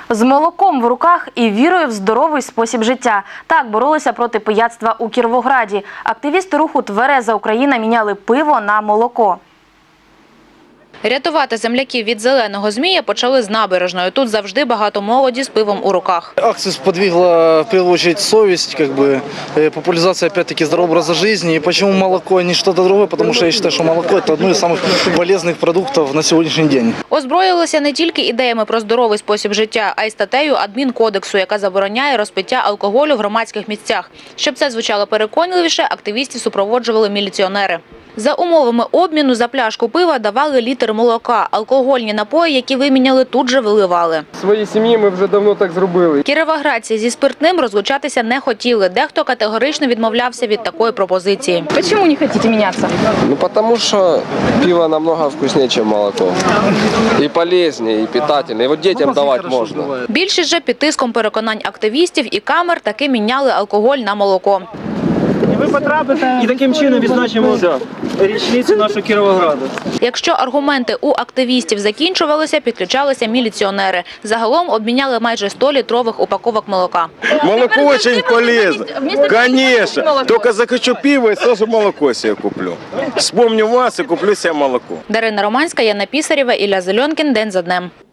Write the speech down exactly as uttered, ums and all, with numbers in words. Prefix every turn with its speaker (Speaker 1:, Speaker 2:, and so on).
Speaker 1: З молоком в руках і вірою в здоровий спосіб життя. Так боролися проти пияцтва у Кіровограді. Активісти руху «Твереза Україна» міняли пиво на молоко.
Speaker 2: Рятувати земляків від зеленого змія почали з набережної. Тут завжди багато молоді з пивом у руках.
Speaker 3: Акцию сподвигла, в первую очередь, совесть, как бы, популяризация, опять-таки, здорового образа жизни. И почему молоко, а не что-то другое? Потому что я считаю, что молоко – это одно из самых полезных продуктов на сегодняшний день.
Speaker 2: Озброїлися не тільки ідеями про здоровий спосіб життя, а й статтею адмінкодексу, яка забороняє розпиття алкоголю в громадських місцях. Щоб це звучало переконливіше, активістів супроводжували міліціонери. За умовами обміну за пляшку пива давали літр молока. Алкогольні напої, які виміняли, тут же виливали.
Speaker 4: В своїй сім'ї ми вже давно так зробили.
Speaker 2: Кіровоградці зі спиртним розлучатися не хотіли. Дехто категорично відмовлявся від такої пропозиції.
Speaker 1: Чому не хочете мінятися?
Speaker 4: Ну, тому що пиво намного вкусніше, ніж молоко. І полезніше, і питательне. І от дітям давати можна.
Speaker 2: Більшість же під тиском переконань активістів і камер таки міняли алкоголь на молоко.
Speaker 5: Ви потрапите і таким чином відзначимо річницю нашого Кіровограду.
Speaker 2: Якщо аргументи у активістів закінчувалися, підключалися міліціонери. Загалом обміняли майже сто літрових упаковок молока.
Speaker 6: Молоко очень полезно. Конечно. Только захочу пиво и сразу молоко себе куплю. Вспомню вас и куплю себе молоко.
Speaker 2: Дарина Романська, Яна Пісарєва, Ілля Зеленкін. День за днем.